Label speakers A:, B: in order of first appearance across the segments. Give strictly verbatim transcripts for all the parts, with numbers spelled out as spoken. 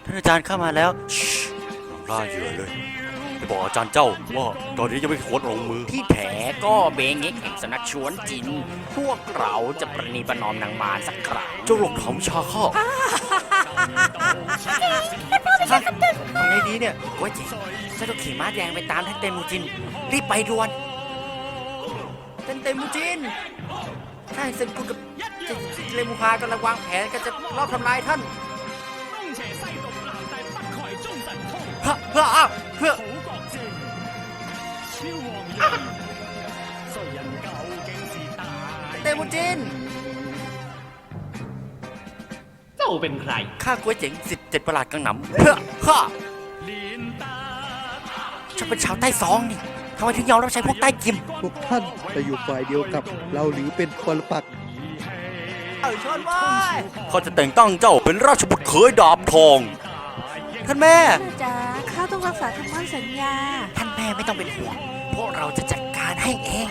A: ท่านอาจารย์เข้ามาแล้วล่าเหยื่อเลยไปบอกอาจารย์เจ้าว่าตอนนี้ยังไม่ควรลงมือ
B: ที่แท้ก็เบงเง็กแห่งสำนักชวนจินพวกเราจะประนีประนอมนางมารสักครั้ง
A: เจ้าหลงถมชาข้า
B: ทำไงดีเนี่ยโอ้ยเจ๋งฉันต้องขี่ม้าแดงไปตามท่านเตมูจินรีบไปด่วนท่านเตมูจินข้าเซนกุกับเลมูฮากำลังวางแผนกันจะรอบทำลายท่านฮะเพื่ออ้าเพื่อเตมูจิน
C: เจ้าเป็นใคร
B: ข้ากล้วยเจ๋งสิทธิ์เจ็ดประหลาดกังหนำเพื่อข้าฉันเป็นชาวใต้ซองนี่ทำไมถึงยอมรับใช้พวกใต้กิม
D: พวกท่านจะอยู่ฝ่ายเดียวกับเราหรือเป็นปรปักษ์
B: เอ้ยชนว้าย
A: เขาจะแต่งตั้งเจ้าเป็นราชบุตรเขยดาบทอง
B: ท่านแม่
E: จ๋าข้าต้องรักษาคำมั่นสัญญา
B: ท่านแม่ไม่ต้องเป็นห่วงพวกเราจะจัดการให้เอง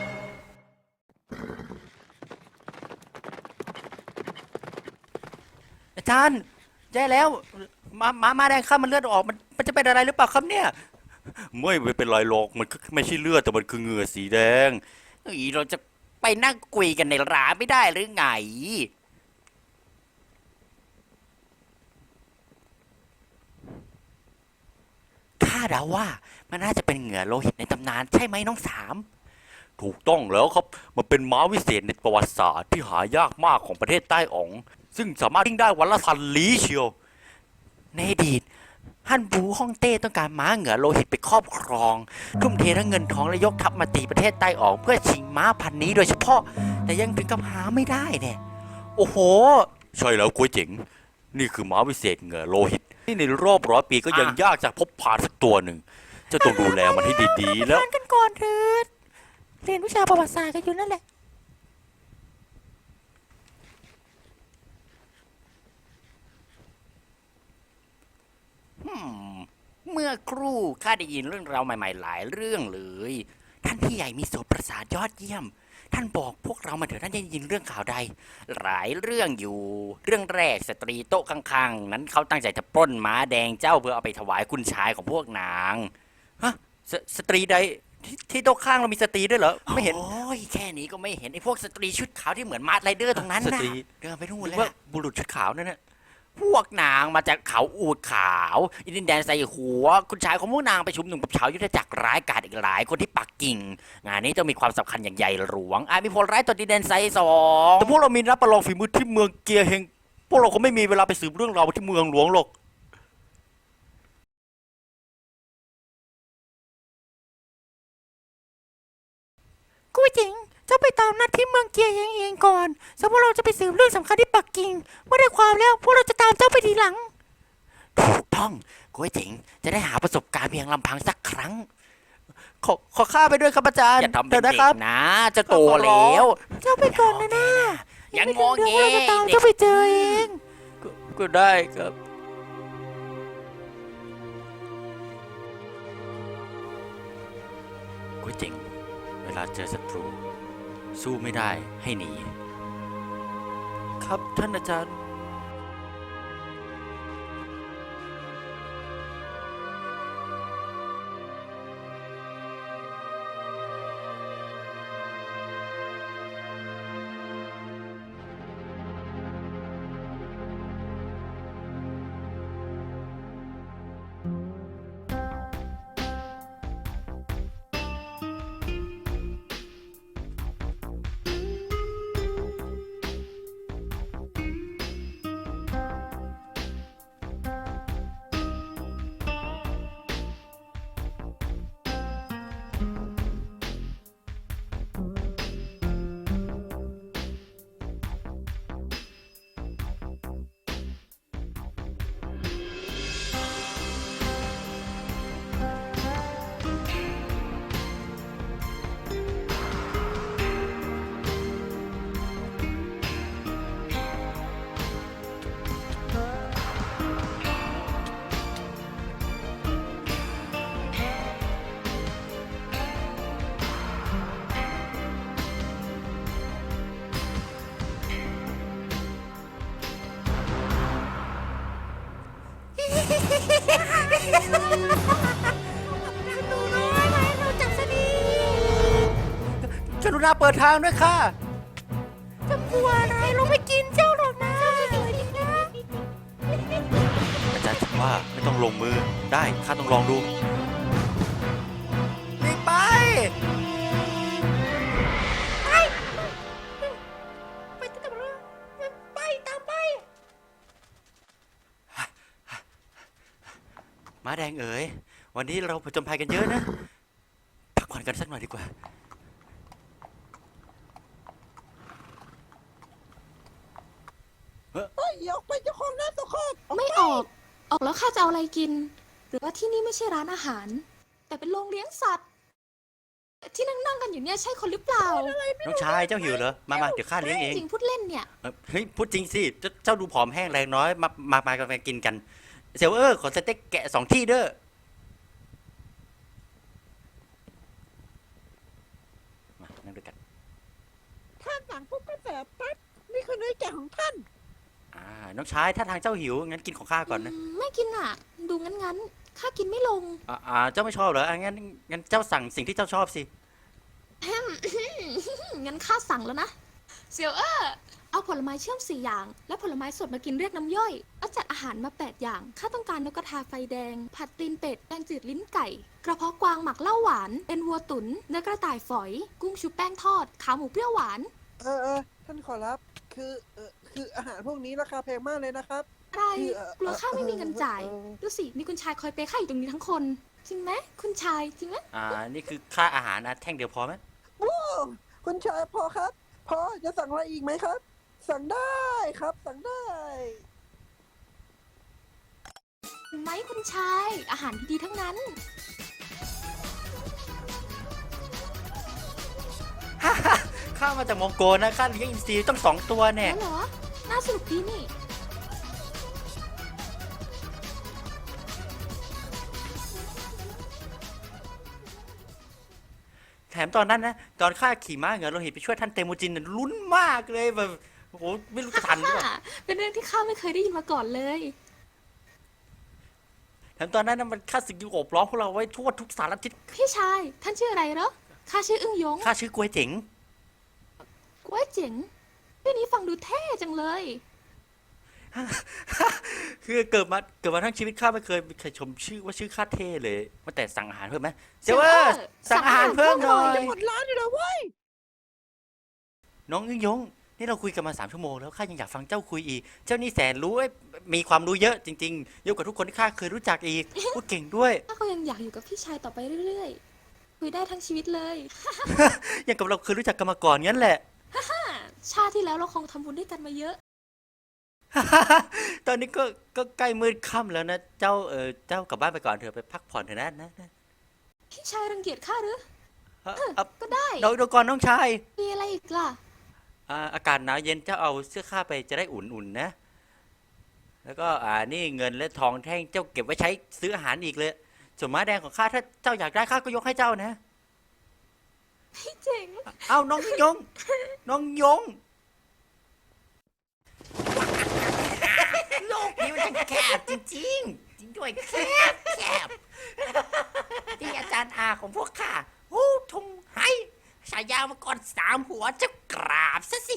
B: อาจารย์แย่แล้วมามามาแดงข้ามันเลือดออกมันมันจะเป็นอะไรหรือเปล่าครับเนี่ย
A: ไม่ไม่เป็นไรหรอกมันไม่ใช่เลือดแต่มันคือเหงื่อสีแดง
B: อีเราจะไปนั่งคุยกันในร้านไม่ได้หรือไงข้าเดาว่ามันน่าจะเป็นเหงื่อโลหิตในตำนานใช่ไหมน้องสาม
A: ถูกต้องแล้วครับมันเป็นม้าวิเศษในประวัติศาสตร์ที่หายากมากของประเทศใต้อ๋องซึ่งสามารถวิ่งได้วันละพันลี้เชียว
B: ในอดีตฮั่นบูฮ่องเต้ต้องการม้าเหงื่อโลหิตไปครอบครองทุ่มเททั้งเงินทองและยกทัพมาตีประเทศใต้ออกเพื่อชิงม้าพันนี้โดยเฉพาะแต่ยังถึงกับหาไม่ได้เนี่ยโอ้โห
A: ใช่แล้วก๋วยเจ๋งนี่คือม้าวิเศษเหงื่อโลหิตที่ในรอบร้อยปีก็ยังยากจะพบผ่านสักตัวหนึ่งจะต้องดูแลมันให้ดีๆแล้ว
E: กันก่อนเถิดเรียนวิชาประวัติศาสตร์กันอยู่นั่นแหละ
B: เมื่อครู่ข้าได้ยินเรื่องราวใหม่ๆหลายเรื่องเลยท่านพี่ใหญ่มีโสตประสาทยอดเยี่ยมท่านบอกพวกเรามาเถอะท่านได้ยินเรื่องข่าวใดหลายเรื่องอยู่เรื่องแรกสตรีโต๊ะข้างๆนั้นเขาตั้งใจจะปล้นม้าแดงเจ้าเพื่อเอาไปถวายคุณชายของพวกนางฮะสสตรีใดที่โต๊ะข้างเรามีสตรีด้วยเหรอไม่เห็นโอ้ยแค่นี้ก็ไม่เห็นไอ้พวกสตรีชุดขาวที่เหมือนมาร์ไรเดอร์ตรงนั้นนะเดินไปนู่นเลยว่า
A: บุรุษชุดขาวนั่นน่ะ
B: พวกนางมาจากเขาอูดขาวอินดินแดนใส่หัวคุณชายของพวกนางไปชุมนุมกับชาวยุทธจักรร้ายกาจอีกหลายคนที่ปักกิ่งงานนี้ต้องมีความสำคัญอย่างใหญ่หลวงอาจมีผลร้ายต่อดินแดนไซสอง
A: แต่พวกเรามีรับประลองฝีมือที่เมืองเกียร์เฮงพวกเราคงไม่มีเวลาไปสืบเรื่องราวที่เมืองหลวงหรอก
E: กูจริงเจ้าไปตามนัดที่เมืองเกียร์เองเองก่อนสมมติเราจะไปสืบเรื่องสำคัญที่ปักกิ่งเมื่อได้ความแล้วพวกเราจะตามเจ้าไปทีหลัง
B: ถูกต้องกูเจ๋งจะได้หาประสบการณ์เพียงลำพังสักครั้งขอขอข้าไปด้วยครับอาจารย์อย่าทำเป็นเด็กนะจะโตแล้ว
E: เจ้าไปก่อนนะนะ
B: ยังงอเงี้
E: ยตามเจ้าไปเจอเอง
A: ก็ได้ครับ
B: กูเจ๋งเวลาเจอศัตรูสู้ไม่ได้ให้หนี
A: ครับท่านอาจารย์
E: นูน้อยมาให้เราจับสนี
B: กรุณาเปิดทางด้วยค่ะ
E: จะกลัวอะไรเราไม่กินเจ้าหรอกนะสวยดีนะ
A: อาจารย์คิดว่าไม่ต้องลงมือได้ข้าต้องลองดู
B: หลีกไป
E: ไปตามเราไปตามไป
A: ม้าแดงเอ๋ยวันนี้เราผจญภัยกันเยอะนะพักผ่อนกันสักหน่อยดีกว่า
F: ไม่ออก ออกแล้วข้าจะเอาอะไรกิน หรือว่าที่นี่ไม่ใช่ร้านอาหาร แต่เป็นโรงเลี้ยงสัตว์ ที่นั่งนั่งๆกันอยู่เนี่ยใช่คนหรือเปล่า
A: น้องชายเจ้าหิวเหรอมามาเดี๋ยวข้าเลี้ยงเอง
F: จริงพูดเล่นเนี่ย
A: เอ่อเฮ้ยพูดจริงสิเจ้าเจ้าดูผอมแห้งแรงน้อยมามามากันมากินกันเซลเออร์ขอสเต็กแกะสองที่เด้อมานั่งด้วยกัน
G: ท่านสั่งปุ๊บก็เสิร์ฟปั๊บนี่คือเนื้อแกะของท่าน
A: อ่าน้องชายถ้าทางเจ้าหิวงั้นกินของข้าก่อนนะ
F: อืมไม่กินอ่ะ ดูงั้นๆ ข้ากินไม่ลง
A: อ่าอ่าเจ้าไม่ชอบเหรออ่ะงั้นงั้นเจ้าสั่งสิ่งที่เจ้าชอบสิ
F: งั้นข้าสั่งแล้วนะ เซียวเออร์เอาผลไม้เชื่อมสี่อย่าง และผลไม้สดมากินเรียกน้ำย่อยแล้วจัดอาหารมาแปดอย่าง ข้าต้องการนกกระทาไฟแดง ผัดตีนเป็ด แกงจืดลิ้นไก่ กระเพาะกวางหมักเหล้าหวาน เป็นวัวตุ๋น เนื้อกระต่ายฝอย กุ้งชุบแป้งทอด ขาหมูเปรี้ยวหวาน
G: เออเออท่านขอรับ คือเออคืออาหารพวกนี้ราคาแพงมากเลยนะครับ
F: อะไร
G: คือเอ่อก
F: ลัวข้าไม่มีเงินจ่าย
G: เออ
F: ดูสิ มีคุณชายคอยเปย์ข้าอยู่ตรงนี้ทั้งคน จริงไหมคุณชาย จริงไหม
A: อ่านี่คือค่าอาหารนะแท่งเดียวพอไหม
G: โอ้คุณชายพอครับ พอจะสั่งอะไรอีกไหมครับ สั่งได้ครับ สั่งได้
F: เห็นไหมคุณชาย อาหารดีๆทั้งนั้น
A: ข้ามาจากมองโกนะข้าเลี้ยงอินทรีต้องสองตัวแน่
F: แล้วเหรอ น่าสนุกดีนี่
A: แถมตอนนั้นนะตอนข้าขี่ม้าเหงื่อเราเห็นไปช่วยท่านเตมูจินน่ะลุ้นมากเลยแบบโอ้โหไม่รู้จะทันหรือเปล่า
F: เป็นเรื่องที่ข้าไม่เคยได้ยินมาก่อนเลย
A: แถมตอนนั้นนะมันข้าศึกยุโอบล้อมพวกเราไว้ทั่วทุกสารทิศ
F: พี่ชาย ท่านชื่ออะไรเหรอ ข้าชื่ออึ้งยง
A: ข้าชื่อกล้วยเจ๋ง
F: กล้วยเจ๋งชื่อนี้ฟังดูเท่จังเลย
A: คือเกิดมาเกิดมาทั้งชีวิตข้าไม่เคยมีใครชมชื่อว่าชื่อข้าเท่เลยมาแต่สั่งอาหารเพิ่มไหมเซเวอร์สั่งอาหารเพิ่มหน่อย
G: จะหมดร้านอยู่แล้วเว้ย
A: น้องยิ่งยงนี่เราคุยกันมาสามชั่วโมงแล้วข้ายังอยากฟังเจ้าคุยอีก เจ้านี่แสนรู้เอ้ยมีความรู้เยอะจริงๆเยอะกว่าทุกคนที่ข้าเคยรู้จักอีกพูดเก่งด้วย
F: ข้าก็ยังอยากอยู่กับพี่ชายต่อไปเรื่อยๆ คุยได้ทั้งชีวิตเลย
A: อย่างกับเราเคยรู้จักกันมาก่อนงั้นแหละ
F: ชาติที่แล้วเราคงทำบุญด้วยกันมาเยอะ
A: ตอนนี้ก็ก็ใกล้มืดค่ำแล้วนะ เจ้าเออเจ้ากลับบ้านไปก่อนเถอะไปพักผ่อนเถอะนะนะนะ
F: พี่ชายรังเกียจข้าหรือ
A: เอ่อเอ่อ
F: ก็ได้
A: เดี๋ยวเดี๋ยวก่อนน้องชาย
F: มีอะไรอีกล่ะ
A: อ่าอากาศหนาวเย็นเจ้าเอาเสื้อข้าไปจะได้อุ่นๆนะ แล้วก็อ่านี่เงินและทองแท่งเจ้าเก็บไว้ใช้ซื้ออาหารอีกเลยส่วนม้าแดงของข้าถ้าเจ้าอยากได้ข้าก็ยกให้เจ้านะ
F: พี่เจ๋ง
A: เอ้าน้องยง น้องยง
B: โลกนี้มันจะแคบจริงๆ จริงด้วยแคบแคบที่อาจารย์อาของพวกข้าโอ้ทงไห้ฉายามาก่อนสามหัวจะกราบซะสิ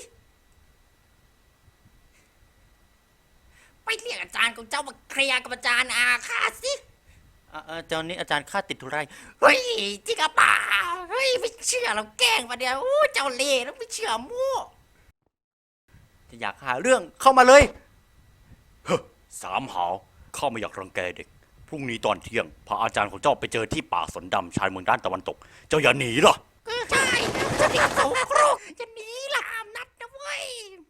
B: ไปเรียกอาจารย์ของเจ้ามาเคลียร์กับอาจารย์อาข้าสิ
A: อ่าอ่าเจ้านี้อาจารย์ข้าติดธุระ
B: เฮ้ยจริงกับป่าเฮ้ยไม่เชื่อเราแกล้งมาเดียวโอ้เจ้าเล่ห์แล้วไม่เชื่อมั่ว
A: จะอยากหาเรื่องเข้ามาเลยเฮ้อสามหาวข้าไม่อยากรังแกเด็ก พรุ่งนี้ตอนเที่ยงพาอาจารย์ของเจ้าไปเจอที่ป่าสนดำชายเมืองด้านตะวันตก เจ้าอย่าหนีล่ะ
B: ใช่จะหนีเขาครุกจะหนีล่ะห้ามนัดนะเว้ย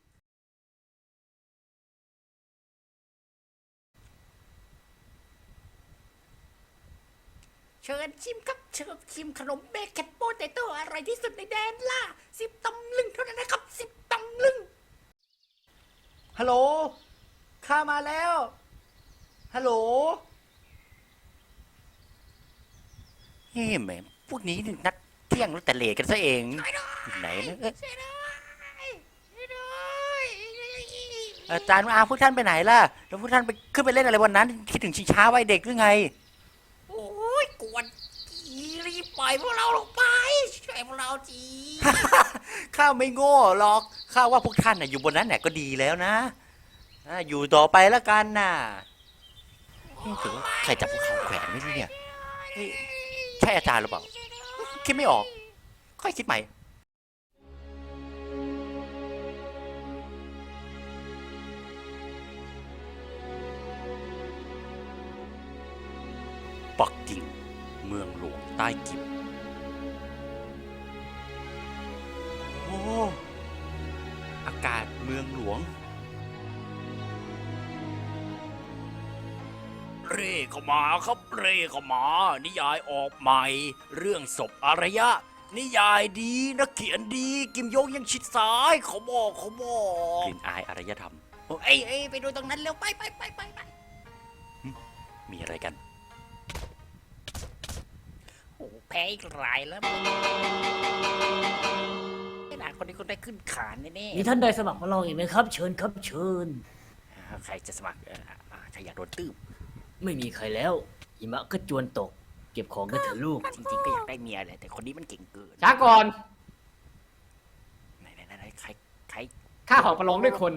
B: เชิญชิมครับเชิญชิมขนมเบเกตโปเตโต้อร่อยที่สุดในแดนล่าสิบตำลึงเท่านั้นนะครับสิบตำลึง
A: ฮัลโหล ข้ามาแล้ว ฮัลโหล
B: เฮ้แหม่พวกนี้นี่นัดเที่ยงแล้วแต่เลทกันซะเองอยู่ไหนนะเอ้ยอาจารย์อาพวกท่านไปไหนล่ะ แล้วพวกท่านไปขึ้นไปเล่นอะไรวันนั้น คิดถึงชิงช้าวัยเด็กหรือไงกวนรีบปล่อยพวกเราลงไปช่วยพวกเราที
A: ข้าไม่โง่หรอก ข้าว่าพวกท่านน่ะอยู่บนนั้นน่ะก็ดีแล้วนะอ่ะอยู่ต่อไปแล้วกันน่ะเอ๊ะถือว่าใครจับพวกเขาแขวนไว้ที่เนี่ยเฮ้ยใช่อาจารย์หรือเปล่า คิดไม่ออก ค่อยคิดใหม่ ปักกิ่ง เมืองหลวงใต้กิม โอ้ อากาศเมืองหลวง เร่เข้ามาครับเร่เข้ามา นิยายออกใหม่ เรื่องศพอารยะ นิยายดีนักเขียนดี กิมยงยังชิดซ้ายเขาบอกเขาบอกกลิ่นอายอารยธรรม
B: เอ้ยเอ้ยไปดูตรงนั้นเร็วไปไปไปไปไป
A: มีอะไรกัน
B: โอ้แพ้อีกหลายแล้วไอ้หลานคนนี้คนได้ขึ้นขานแน่
H: มีท่านใดสมัครมาลองอีกไหมครับ เชิญครับเชิญ
B: ๆใครจะสมัครเอออ่าใครอยากโดนตืบ
H: ไม่มีใครแล้วหิมะก็จวนตก เก็บของกันเถอะลูก
B: จริงๆก็อยากได้เมียแหละแต่คนนี้มันเก่งเกิน
C: ช้าก่อน
B: ไหนไหนไหนใครใคร
C: ข้าขอประลองด้วยคน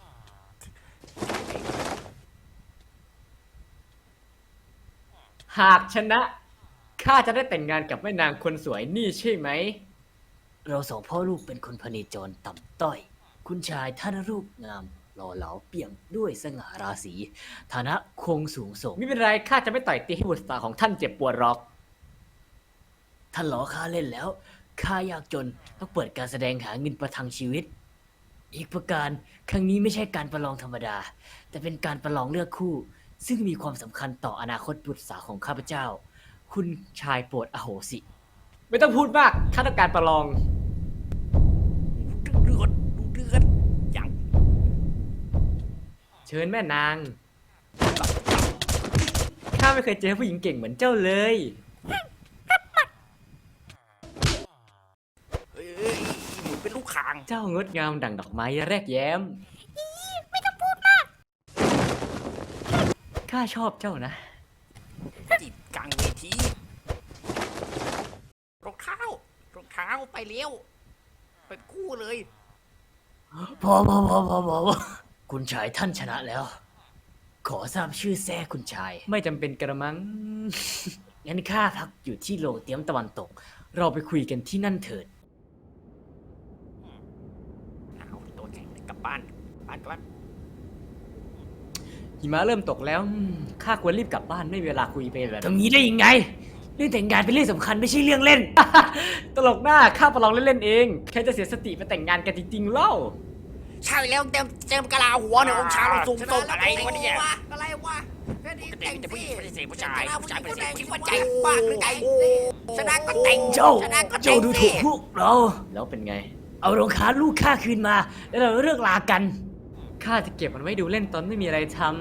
C: หากชนะ ข้าจะได้แต่งงานกับแม่นางคนสวยนี่ใช่ไหม
H: เราสองพ่อลูกเป็นคนพเนจรต่ำต้อย คุณชายท่านรูปงามหล่อเหลาเปี่ยมด้วยสง่าราศีฐานะคงสูงส่ง
C: ไม่เป็นไร ข้าจะไม่ต่อยตีให้บุตรสาวของท่านเจ็บปวดหรอก
H: ท่านล้อข้าเล่นแล้ว ข้ายากจนต้องเปิดการแสดงหาเงินประทังชีวิต อีกประการครั้งนี้ไม่ใช่การประลองธรรมดา แต่เป็นการประลองเลือกคู่ ซึ่งมีความสำคัญต่ออนาคตบุตรสาวของข้าพเจ้า คุณชายโปรดอโหสิ
C: ไม่ต้องพูดมาก ข้าต้องการประลอง
B: เดือดดูเดือดยัง
C: เชิญแม่นาง ข้าไม่เคยเจอผู้หญิงเก่งเหมือนเจ้าเลย
B: เอ้ยหมุนเป็นลูกคาง
C: เจ้างดงามดั่งดอกไม้แรกแย้ม ข้าชอบเจ้านะ
B: จิตกลางเวทีรองเท้ารองเท้าไปเร็วเป็นคู่เลย
H: พอพอพอพอพอพอคุณชายท่านชนะแล้ว ขอทราบชื่อแท้คุณชาย
C: ไม่จำเป็นกระมัง
H: งั้นข้าพักอยู่ที่โรงเตรียมตะวันตก
C: เราไปคุยกันที่นั่นเถิด
B: เอาตัวแข็งกลับบ้านบ้านกลับบ้าน
C: หิมะเริ่มตกแล้วอืมข้าควรรีบกลับบ้านไม่มีเวลาคุยไปแบบ
H: ทำงี้ได้ยังไง เรื่องแต่งงานเป็นเรื่องสำคัญไม่ใช่เรื่องเล่น
C: ตลกหน้าข้าประลองเล่นๆเอง แค่จะเสียสติไปแต่งงานกันจริงๆเล่า
B: ใช่แล้วเต็มเต็มกะลาหัวเนี่ยองค์ชายเราสูงส่งอะไรวะเนี่ยอะไรวะปกติมีแต่ผู้หญิงไม่ได้เสียผู้ชายผู้ชายไม่ได้เสียคิดว่าใจบ้าหรือไงชนะก็แต่ง
H: เจ้า
B: ชนะก็แต่
H: เจ้าง ดูถูก
B: สิ
H: พวกเรา
C: แล้วเป็นไง
H: เอารองเท้าลูกข้าคืนมา แล้วเราเลิกลากัน
C: ข้าจะเก็บมันไว้ดูเล่นตอนไม่มีอะไรทำ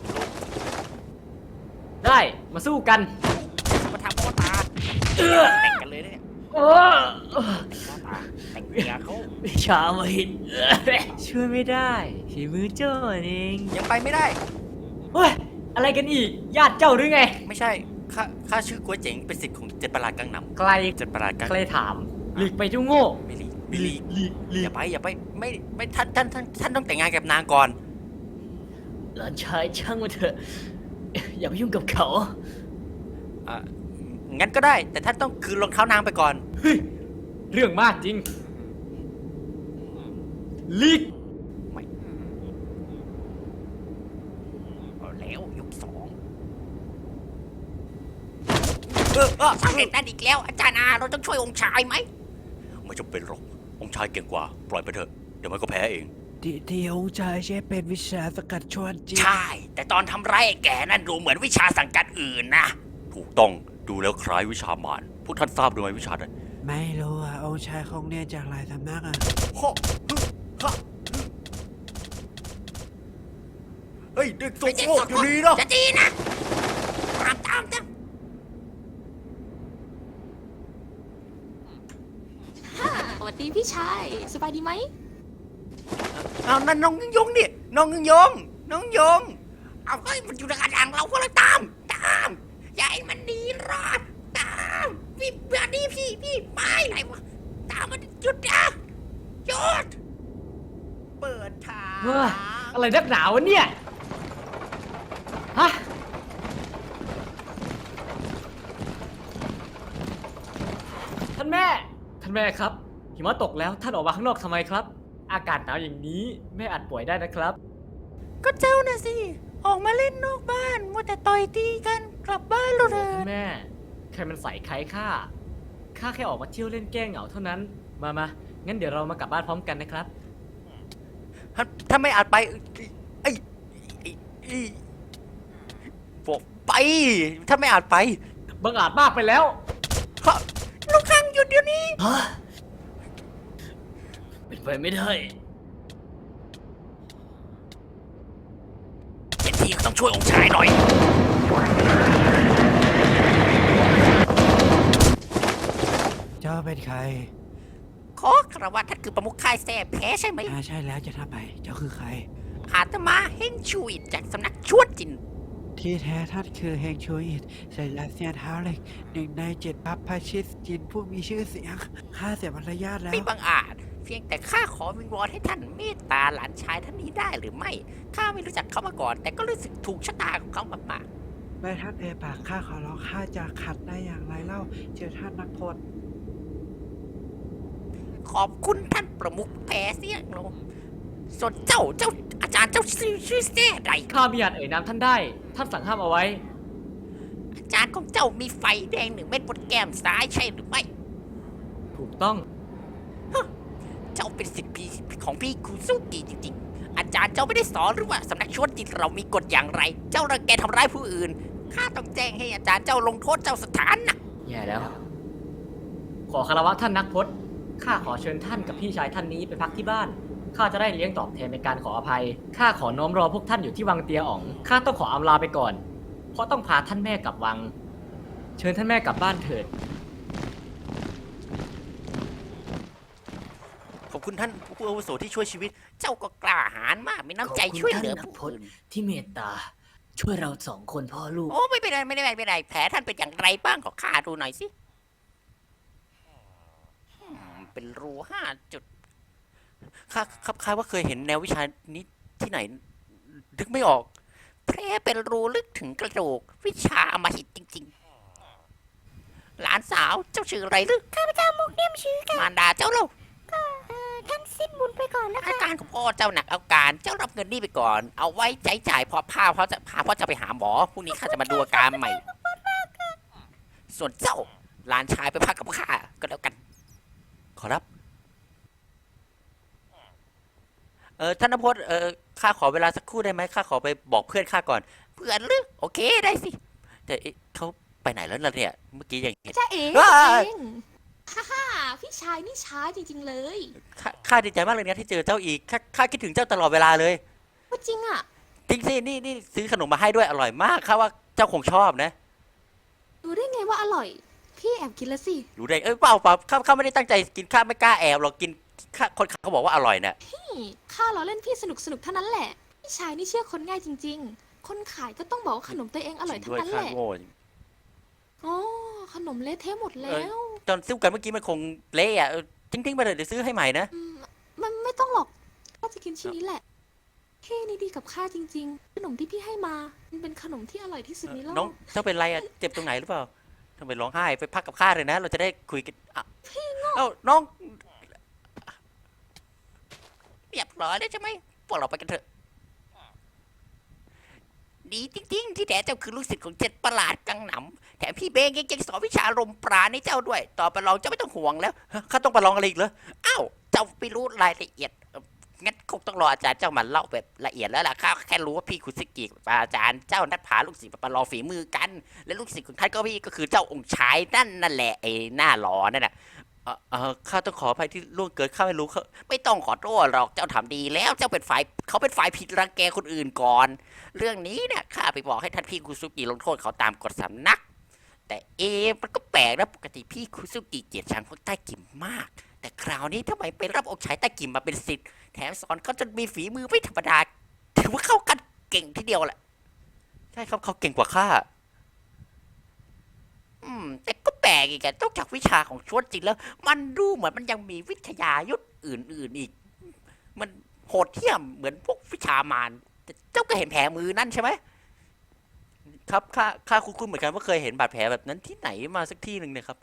C: ได้มาสู้กัน
B: มาทำพ่อตาแต่งกันเลยเนี่ย
H: โอ้
B: พ่อตาแต่งเมียเขา
H: วิชามาหิน
C: ช่วยไม่ได้ฝีมือเจ้าเอง
A: ยังไปไม่ได้
C: เฮ้ยอะไรกันอีก ญาติเจ้าหรือไง
A: ไม่ใช่ ข้า ข้าชื่อกัวเจ๋ง เป็นสิทธิ์ของเจ็ดประหลาดกังน
C: ใคร
A: ำเจ็ดประหลาดกัง
C: ใครถาม หลีกไปเจ้าโง่
A: ไม่ลีกไม่ลีก
C: หลีกหลี
A: อก ย่าไป อย่าไป ไม่ ไม่ ท่าน ท่าน ท่าน ท่านต้องแต่งงานกับนางก่อน
H: หลานชายช่างมาเถอะ อย่าไปยุ่งกับเขา
A: อ่ะ งั้นก็ได้ แต่ท่านต้องคืนรองเท้านางไปก่อน
C: เฮ้ยเรื่องมากจริงหลีก
B: เอาแล้วยกสอง
A: เออเออ
B: สำเร็จนั่นอีกแล้ว อาจารย์อาเราต้องช่วยองค์ชายไหม
A: ไม่จำเป็นหรอก องค์ชายเก่งกว่า ปล่อยไปเถอะ เดี๋ยวมันก็แพ้เอง
D: ที่ที่องค์ชายใช้เป็นวิชาสกัดชวนจิต
B: ใช่ แต่ตอนทำร้ายไอ้แก่นั่นดูเหมือนวิชาสังกัดอื่นนะ
A: ถูกต้อง ดูแล้วคล้ายวิชามาร พวกท่านทราบด้วยไหมวิชานั้น
D: ไม่รู้อ่ะ องค์ชายคงเรียนจากหลายสำนักอ่ะ
A: ฮะฮะเฮ้ย เด็กโสโครกอยู่นี่นะ
B: จะดีนะตามตามตาม
F: สวัสดีพี่ชาย สบายดีไหม
A: เอานั่นน้องยงนี่น้องยง น้องยง
B: เอาเฮ้ยมันอยู่ในกระดังเราก็เลยตาม ตาม อย่าให้มันหนีรอด
C: อะไรนักหนาวะเนี่ย ฮะ ท่านแม่ ท่านแม่ครับ หิมะตกแล้ว ท่านออกมาข้างนอกทำไมครับ อากาศหนาวอย่างนี้แม่อาจป่วยได้นะครับ
E: ก็เจ้าน่ะสิ ออกมาเล่นนอกบ้านมัวแต่ต่อยตีกันกลับบ้านเราเถ
C: ท่า
E: อะ
C: นแม่ ใครมันใส่ใครข้า ข้าแค่ออกมาเที่ยวเล่นแก้เหงาเท่านั้น มามางั้นเดี๋ยวเรามากลับบ้านพร้อมกันนะครับ
A: ถ้าถ้าไม่อาจไปไอ้ไอ้ไอ้บอกไป ถ้าไม่อาจไป
C: บังอาจมากไปแล้ว
A: ข้า
E: ลูกคังหยุดเดี๋ยวนี้
H: ฮะ เป็นไปไม่ได้
B: เจ็ดทีก็ต้องช่วยองค์ชายหน่อย
D: เจ้าเป็นใคร
B: ขอคารวะท่านคือประมุขค่ายแซ่แพ้ใช่ไหม
D: อ่าใช่แล้วจะทำไมเจ้าคือใคร
B: อาตมาเฮงชุยจากสำนักชวดจิน
D: ที่แท้ท่านคือเฮงชูอิตใส่ลาเซียนเท้าเหล็กหนึ่งในเจ็ดพัพพาชิสจินผู้มีชื่อเสียงข้าเสียมารยาทแล้ว
B: ไม่บังอาจ เพียงแต่ข้าขอวิงวอนให้ท่านเมตตาหลานชายท่านนี้ได้หรือไม่ ข้าไม่รู้จักเขามาก่อน แต่ก็รู้สึกถูกชะตาของเขามาก
D: แม่ท่านเอ่ยปากข้าขอร้องข้าจะขัดได้อย่างไรเล่าเจอท่านนักพจน์
B: ๆขอบคุณท่านประมุขแพ้เสียงลงส่วนเจ้าเจ้าอาจารย์เจ้าชื่อชื่อแซ่ใด
C: ข้ามีอาจเอ่ยนามท่านได้ ท่านสั่งห้ามเอาไว้
B: อาจารย์ของเจ้ามีไฟแดงหนึ่งเม็ดบนแก้มซ้ายใช่หรือไม่
C: ถูกต้อง
B: เจ้าเป็นศิษย์พี่ของพี่คุซุกิจริงๆ อาจารย์เจ้าไม่ได้สอนหรือว่าสำนักชวดจิตเรามีกฎอย่างไร เจ้ารังแกทำร้ายผู้อื่น ข้าต้องแจ้งให้อาจารย์เจ้าลงโทษเจ้าสถานหนัก
C: แย่แล้ว ขอคารวะท่านนักพจน์ข้าขอเชิญท่านกับพี่ชายท่านนี้ไปพักที่บ้าน ข้าจะได้เลี้ยงตอบแทนในการขออภัย ข้าขอน้อมรอพวกท่านอยู่ที่วังเตียอ๋อง ข้าต้องขออำลาไปก่อน เพราะต้องพาท่านแม่กลับวัง เชิญท่านแม่กลับบ้านเถิด
A: ขอบคุณท่านผู้อาวุโสที่ช่วยชีวิต
B: เจ้าก็กล้าหาญมาก มีน้ำใจช่วยเหลือผู้อื่น
H: ที่เมตตา ช่วยเราสองคนพ่อลูก
B: โอ้ไม่เป็นไรไม่เป็นไรไม่เป็นไรแผลท่านเป็นอย่างไรบ้างขอข้าดูหน่อยสิอืมเป็นรูห้าจุด
A: ข้าครับข้าว่าเคยเห็นแนววิชานี้ที่ไหน นึกไม่ออก
B: แผลเป็นรูลึกถึงกระดูกวิชาอำมหิตจริงๆ หลานสาวเจ้าชื่ออะไรหรือ
E: ข้าพเจ้ามุกเลี่ยมชื้อค่ะ
B: มารดาเจ้าเล่า
E: ก็เอ่อท่านสิ้นบุญไปก่อนนะ
B: อา
E: คะ
B: การของพ่อเจ้าหนักเอาการเจ้ารับเงินนี่ไปก่อน เอาไว้ใช้จ่ายพอพาพ่อจะพาพ่อจะไปหาหมอพรุ่งนี้ข้าจะมาดูอาการใหม่ ส่วนเจ้าหลานชายไปพักกับข้าก็แล้วกัน
A: ขอรับ เออท่านนพจน์เออข้าขอเวลาสักครู่ได้ไหมข้าขอไปบอกเพื่อนข้าก่อน
B: เพื่อนหรือโอเคได้สิ
A: แต่เอ๊ะเขาไปไหนแล้วล่ะเนี่ย เมื่อกี้ยังเห็น
F: จ้าเอ๋
A: ว้าย
F: เองฮ่าฮ่าพี่ชายนี่ช้าจริง ๆ เลย
A: ข้าข้าดีใจมากเลยนะที่เจอเจ้าอีกข้าข้าคิดถึงเจ้าตลอดเวลาเลย
F: ว่าจริงอ่ะ
A: จริงสินี่นี่ซื้อขนมมาให้ด้วยอร่อยมากข้าว่าเจ้าคงชอบนะ
F: รู้ได้ไงว่าอร่อย พี่แอบกินแล้วสิ
A: รู้ได้เอ้ยเปล่าเปล่าข้าข้าไม่ได้ตั้งใจกินข้าไม่กล้าแอบหรอกกินข้าคนเขาบอกว่าอร่อยน่ะ
F: นี่ข้าล้อเล่นพี่สนุกสนุกๆเท่านั้นแหละ พี่ชายนี่เชื่อคนง่ายจริง ๆ คนขายก็ต้องบอกว่าขนมตัวเองอร่อย
A: จริ
F: เท่าง
A: ด้วย
F: นั้น
A: ข้า
F: แหละ
A: โง่
F: อ๋อขนมเละเทะหมดแล้ว
A: ตอนซื้อกันเมื่อกี้มันคงเละอ่ะเออทิ้งๆไปเลยเดี๋ยวซื้อให้ใหม่นะ
F: อืมมันไม่ต้องหรอกข้าจะกินชิ้นนี้แหละพี่นี่ดีกับข้าจริง ๆ ขนมที่พี่ให้มา มันเป็นขนมที่อร่อยที่สุดในโล
A: น้อง
F: ก
A: เจ้าเป็นไรอ่ะเจ็บตรงไหนหรือเปล่าทำไมร้องไห้ไปพักกับข้าเลยนะ เราจะได้คุยกันอ่ะเอ้าน้อง
B: เรียบร้อยแล้วใช่ไหมพวกเราไปกันเถอะ ดีจริง ๆ ที่แท้เจ้าคือลูกศิษย์ของเจ็ดประหลาดกังหนำแถมพี่เบงยังยังสอนวิชาลมปราณให้เจ้าด้วย ต่อไปเราจะไม่ต้องห่วงแล้ว
A: ฮะข้าต้องไปลองอะไรอีกเหรอ
B: อ้าวเจ้าไม่รู้รายละเอียดเอ่องั้นคงต้องรออาจารย์เจ้ามาเล่าแบบละเอียดแล้วล่ะข้าแค่รู้ว่าพี่คุซิกิกับอาจารย์เจ้านัดพาลูกศิษย์มาประลองฝีมือกัน และลูกศิษย์ของท่านก็พี่ก็คือเจ้าองค์ชายนั่นนั่นแหละไอ้หน้าหลอนั่นน่ะ
A: เออเออข้าต้องขออภัยที่ล่วงเกินข้าไม่รู้เขา
B: ไม่ต้องขอโทษหรอกเจ้าทำดีแล้วเจ้าเป็นฝ่ายเขาเป็นฝ่ายผิดรังแกคนอื่นก่อน เรื่องนี้เนี่ยข้าไปบอกให้ท่านพี่คุซุกิลงโทษเขาตามกฎสำนัก แต่เอะมันก็แปลกนะปกติพี่คุซุกิเกลียดชังพวกใต้กิมมาก แต่คราวนี้ทำไมไปรับองค์ชายใต้กิมมาเป็นศิษย์แถมสอนเขาจนมีฝีมือไม่ธรรมดาถือว่าเข้ากันเก่งทีเดียวแหละ
A: ใช่ครับเขาเก่งกว่าข้า
B: อืมแต่ก็แปลกอีกอะนอกจากวิชาของชวดจริงแล้ว มันดูเหมือนมันยังมีวิทยายุทธอื่นๆอีก มันโหดเหี้ยมเหมือนพวกวิชามารแต่เจ้าก็เห็นแผลมือนั่นใช่ไหม
A: ครับข้าข้าคุ้นๆเหมือนกันว่าเคยเห็นบาดแผลแบบนั้นที่ไหนมาสักที่หนึ่งเนี่ยครับ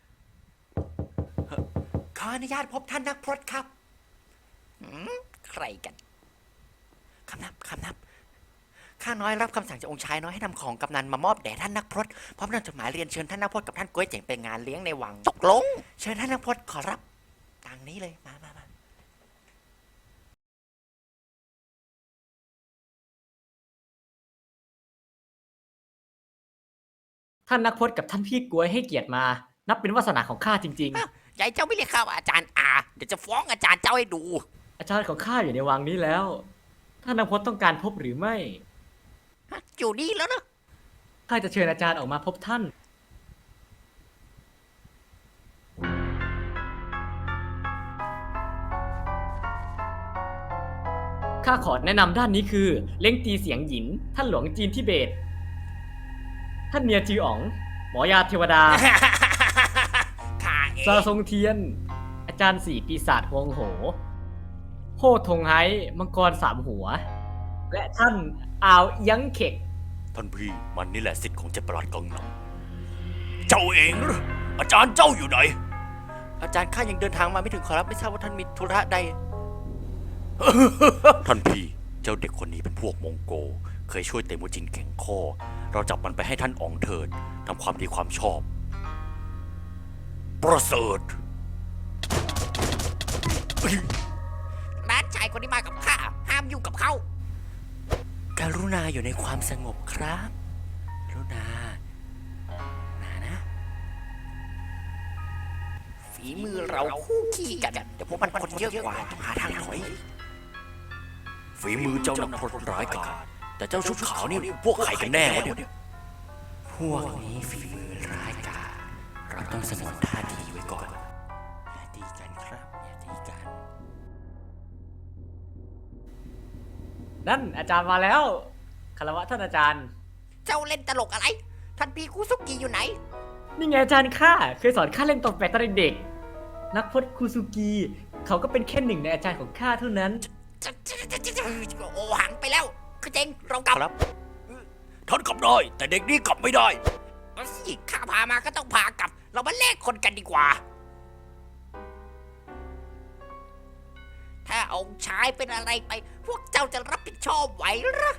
B: ขออนุญาตพบท่านนักพรตครับหืมใครกันคำนับคำนับข้าน้อยรับคำสั่งจากองค์ชายน้อยให้นำของกำนันมามอบแด่ท่านนักพรตพร้อมนำจดหมายเรียนเชิญท่านนักพรตกับท่านก้วยเจ๋งไปงานเลี้ยงในวังตกลง เชิญท่านนักพรตขอรับตางนี้เลยมามามา
C: ท่านนักพจน์กับท่านพี่กล้วยให้เกียรติมา นับเป็นวาสนาของข้าจริง
B: อ้าวใหญ่เจ้าไม่เรียกข้าว่าอาจารย์อาเดี๋ยวจะฟ้องอาจารย์เจ้าให้ดู
C: ๆ อาจารย์ของข้าอยู่ในวังนี้แล้ว ท่านนักพจน์ต้องการพบหรือไม่
B: ฮะอยู่นี่แล้วนะ
C: ข้าจะเชิญอาจารย์ออกมาพบท่าน ข้าขอแนะนำด้านนี้คือ เล้งตีเสียงหยิน ท่านหลวงจีนทิเบต ท่านเมียจีอ๋อง หมอยาเทวดา
B: ข้าเอ
C: ซาง ทรงเทียน อาจารย์สี่ปีศาจฮวงโห โฮทงไฮมังกรสามหัว และท่านอาวเอียังเข็ก
A: ท่านพี่มันนี่แหละสิทธิ์ของเจ็ดประหลาดกังนำเจ้าเองเหรออาจารย์เจ้าอยู่ไหน
B: อาจารย์ข้ายังเดินทางมาไม่ถึงขอรับไม่ทราบว่าท่านมีธุระใด
A: ท่านพี่เจ้าเด็กคนนี้เป็นพวกมองโก เคยช่วยเตมูจินแข็งข้อ เราจับมันไปให้ท่านอองเถิดทำความดีความชอบ ประเสริฐ
B: ร้านชายคนนี้มากับข้าห้ามยุ่งกับเขา
A: กรุณาอยู่ในความสงบครับกรุณานานะ
B: ฝีมือเราคู่ขี้กันเดี๋ยวพวกมันคนเยอะกว่าต้องหาทางถอย
A: ฝีมือเจ้านักพรตร้ายกาจแต่เจ้าชุดขาวนี่พวกใครกันแน่วะเนี่ย
B: พวกนี้ฝีมือร้ายกาจเราต้องสงวนท่าทีไว้ก่อนอย่าตีกันครับอย่าตีกัน
C: นั่นอาจารย์มาแล้ว คารวะท่านอาจารย์
B: เจ้าเล่นตลกอะไร ท่านพี่คุซุกิอยู่ไหน
C: นี่ไงอาจารย์ข้าเคยสอนข้าเล่นตบแปะตอนเด็ก นักพจน์คูซูกิ เขาก็เป็นแค่หนึ่งในอาจารย์ของข้าเท่านั้น
B: โอหังไปแล้วคือเจงเรากลับ
A: ครับ ท่านกลับได้ แต่เด็กนี่กลับไม่ได้
B: เอาสิข้าพามาก็ต้องพากลับ เรามาแลกคนกันดีกว่า ถ้าองค์ชายเป็นอะไรไป พวกเจ้าจะรับผิดชอบไหวหรือ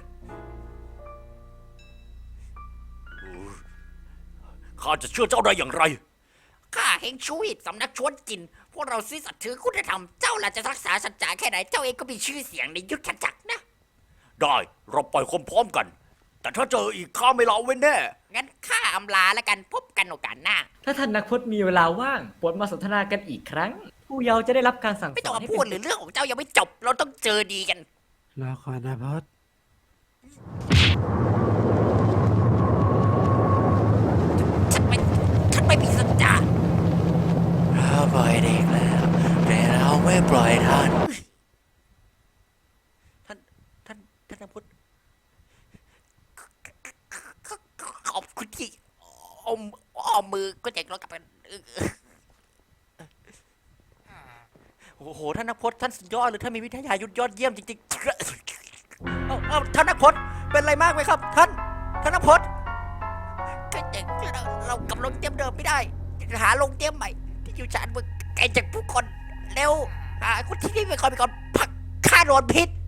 A: ข้าจะเชื่อเจ้าได้อย่างไร
B: ข้าเฮงชูอิตสำนักชวนจิน พวกเราซื่อสัตย์ถือคุณธรรม เจ้าล่ะจะรักษาสัจจะแค่ไหน เจ้าเองก็มีชื่อเสียงในยุทธจักรนะ
A: ได้เราปล่อยคนพร้อมกัน แต่ถ้าเจออีกข้าไม่ละเว้นแน่
B: งั้นข้าอำลาแล้วกันพบกันโอกาสหน้า
C: ถ้าท่านนักพจน์มีเวลาว่างโปรดมาสนทนากันอีกครั้ง ผู้เยาว์จะได้รับการสั่ง
B: ไม่
C: ส
B: ต้อ
C: อง น
B: มา
C: ให้
B: พู
C: เป็
B: ด
C: น
B: หรือเรื่องของเจ้ายังไม่จบ เราต้องเจอดีกัน
D: รอก่อนนะพอด
B: ฉันไม่ฉันไม่มีสัจจะ
A: เราปล่อยเด็กแล้ว แต่เราไม่ปล่อยท่าน
B: ท่าน ท่าน ท่านนพุทธขอบคุณที่อมอ้อมมือก็เจ๋งแล้วกลับกัน
A: โอ้โห ท่านนักพจน์ท่านสุดยอดเลยท่านมีวิทยายุทธยอดเยี่ยมจริงๆ เอาเอาท่านนักพจน์เป็นอะไรมากไหมครับ ท่าน ท่านนักพจน์
B: ก็เจ๋งเราเรากลับลงเตียมเดิมไม่ได้ หาลงเตียมใหม่ ที่อยู่ชานเมืองไกลจากผู้คนเร็วหาคนที่นี่ไปก่อนไปก่อนพักฆ่าโดนพิษ